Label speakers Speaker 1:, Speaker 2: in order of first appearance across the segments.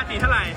Speaker 1: ติเท่าไหร่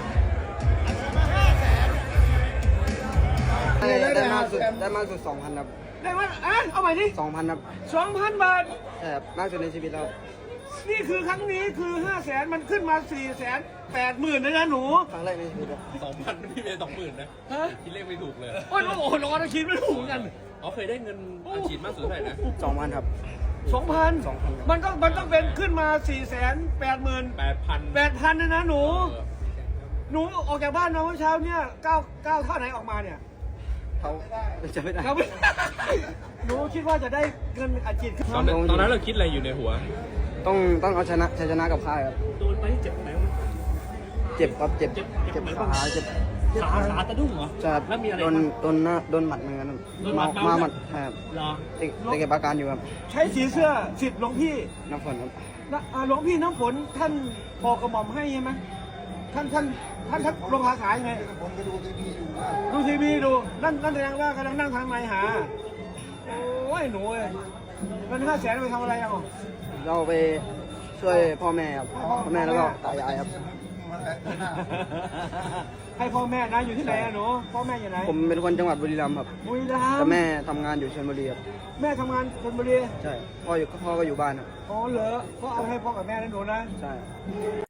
Speaker 2: ได้มากสุด 2,000 ครับ
Speaker 1: ได้มาเอาใหม่ดิ
Speaker 2: 2,000 ครับ
Speaker 1: 2,000 บาท
Speaker 2: ใช่ครับมากสุดในชีวิตแล้ว
Speaker 1: นี่คือครั้งนี้คือ 500,000 มันขึ้นมา 480,000เลยนะหนู
Speaker 2: ครั้งแรกในชีวิตครับ
Speaker 3: 2,000พี่เป็น20,000นะ
Speaker 1: ฮะ
Speaker 3: คิดเลขไม่ถูกเลย
Speaker 1: โอ้ยโอ้โหร้อนคิดไม่ถูกกัน
Speaker 3: อ๋อเคยได้เงินอัดฉีดมากสุดเท่าไหร่นะ
Speaker 2: 2,000 ครับ
Speaker 1: 2,000 มันต้องเป็นขึ้นมา 480,000
Speaker 3: 8,000
Speaker 1: 8,000เลยนะหนู หนูออกจากบ้านมาเมื่อเช้าเนี่ยก้าวเท่าไหนออกมาเนี่ย
Speaker 2: เขาจะไม่ได้
Speaker 1: เราไม่ หนูคิดว่าจะได้เงินอัดฉีด
Speaker 3: ตอนนั้นเราคิดอะไรอยู่ในหัว
Speaker 2: ต้องเอาชัยชนะกับค่ายครับ
Speaker 1: โดนไปเจ็บไหน
Speaker 2: เจ็บครับเจ็บขาเจ็บ
Speaker 1: ขาตะดุ้งเหรอ
Speaker 2: จะ
Speaker 1: แล้วมีอะไร
Speaker 2: โดนหมัดเหมือนกันครับ
Speaker 1: โดนหมัด
Speaker 2: มาหมัดครับ
Speaker 1: เหรอ
Speaker 2: แต่เก็บอาการอยู่ครับ
Speaker 1: ใช้สีเสื้อสิทธิ์หลวงพี่
Speaker 2: น้ำฝนครับ
Speaker 1: หลวงพี่น้ำฝนท่านปอกกระหม่อมให้ใช่ไหมท่านลงขาขายยังไงผมก็ดูทีวีดูนั่นแสดงว่ากำลังนั่งทางในหาโอ้ยหนูเอ้ยเงิน500,000ไปทำอะไรอ่ะ
Speaker 2: เราไปช่วยพ่อแม่ครับพ่อแม่แล้วก็ตายายครับ
Speaker 1: ให้พ่อแม่นะอยู่ที่ไหนอะหนูพ่อแม่อยู่ไหน
Speaker 2: ผมเป็นคนจังหวัดบุรีรัมย์ครับ
Speaker 1: บุรีรัมย์
Speaker 2: แต่แม่ทำงานอยู่ชลบุรีครับ
Speaker 1: แม่ทำงานชลบุรี
Speaker 2: ใช่พ่อก็อยู่บ้านครับ
Speaker 1: อ๋อเหรอก็เอาให้พ่อกับแม่นะหนูนะ
Speaker 2: ใช่